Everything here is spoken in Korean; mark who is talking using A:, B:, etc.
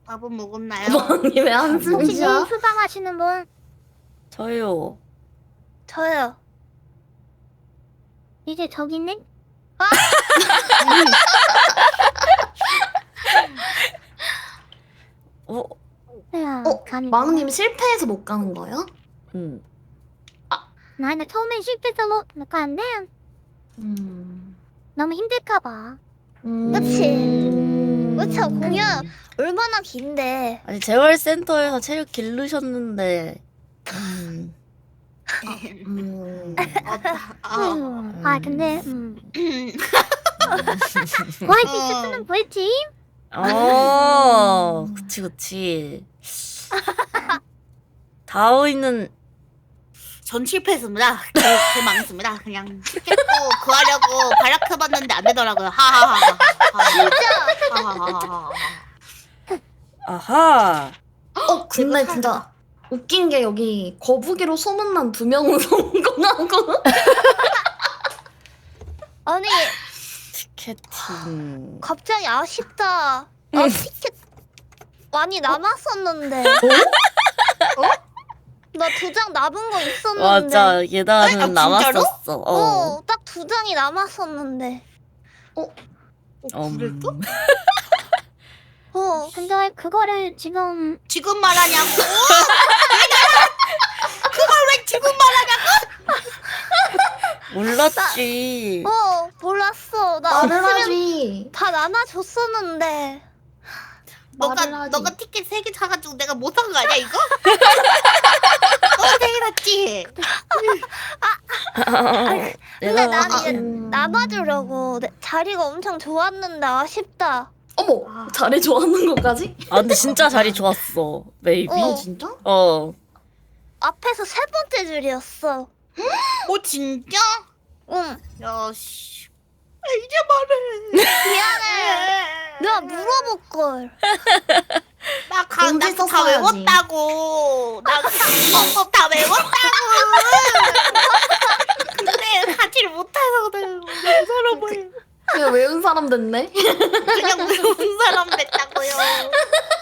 A: 밥은 먹었나요?
B: 왕님 왜
C: 혹시
B: 한숨이야?
C: 수상하시는 분?
D: 저요.
C: 저요. 이제 저기 있네?
D: 어?
C: 야,
B: 왕님 실패해서 못 가는 거예요?
D: 응.
C: 나는 처음엔 실패해서 못 가는데 너무 힘들까봐. 그치? 그쵸, 공연 얼마나 긴데.
D: 아니 재활센터에서 체력 기르셨는데.
C: 근데 YG 스스는 보였지?
D: 그치 그치. 다오이는
A: 전 실패했습니다. 개 망했습니다. 그냥 깼고 구하려고 발악해봤는데 안 되더라고요. 하하하. 하하하.
D: 아하.
B: 근데 진짜 웃긴 게 여기 거북이로 소문난 2명은 성공하고
C: 아니
D: 티켓팅.
C: 갑자기 아쉽다. 나 티켓 많이 남았었는데. 나 2장 남은 거 있었는데.
D: 맞아 예단은
A: 진짜로?
D: 남았었어.
C: 딱 2장이 남았었는데.
A: 그랬어?
C: 근데 그거를 지금
A: 지금 말하냐고? 그걸 왜 지금
D: 몰랐지.
C: 몰랐어. 나
B: 말을
C: 없으면
B: 하지.
C: 다 나눠줬었는데.
B: 말을 하지.
A: 너가 티켓 3개 사가지고 내가 못 산 거 아니야 이거? 되게 낫지.
C: 근데 난 이제 남아주려고. 자리가 엄청 좋았는데 아쉽다.
B: 어머, 자리 좋아하는 것까지?
D: 근데 진짜 자리 좋았어. 메이비.
B: 진짜?
C: 앞에서 3번째 줄이었어.
A: 진짜?
C: 응.
A: 야 씨. 이제 말해.
C: 미안해. 내가 물어볼걸.
A: 나
B: 공지
A: 다
B: 썼어야지.
A: 외웠다고. 나 방법 다 외웠다고. 근데 가지를 못해서 그래.
B: 그냥 외운 사람 됐네?
A: 그냥 외운 사람 됐다고요.